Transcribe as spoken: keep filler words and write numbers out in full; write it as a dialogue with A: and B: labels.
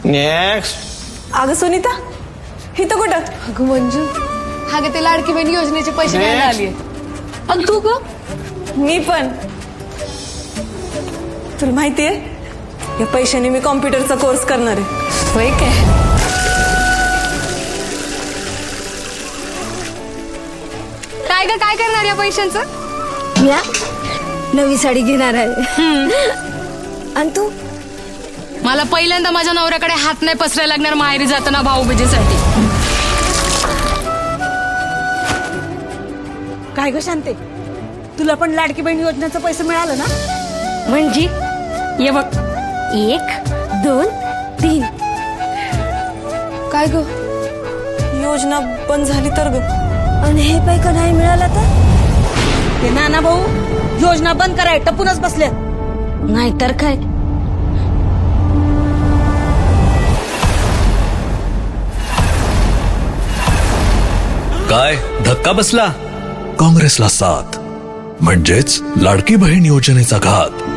A: Next.
B: अगं सुनीता इथं कुठं?
C: अगं मंजू हा गे ते लाडकी बहीण योजनेचे पैसे घ्यायला आलीये. आणि तू ग?
B: मी पण. तुला माहितीये या पैशाने मी कॉम्प्युटरचा कोर्स करणार आहे.
C: होय काय? काय ग काय करणार या पैशांचं?
D: या नवी साडी घेणार आहे. आणि तू?
C: मला पहिल्यांदा माझ्या नवऱ्याकडे हात नाही पसरायला लागणार माहेरी जाताना भाऊबीजेसाठी.
D: काय ग शांते, तुला पण लाडकी बहीण योजनेचं पैसे मिळालं ना?
C: म्हणजे ये बघ.
D: एक दोन तीन.
C: काय ग?
B: योजना बंद झाली तर ग.
D: आणि हे पैका नाही मिळाला तर? ते नाना भाऊ योजना बंद कराय टपूनच बसले. नाहीतर काय.
E: काय धक्का बसला? काँग्रेसला साथ म्हणजेच लाडकी बहीण योजनेचा घात.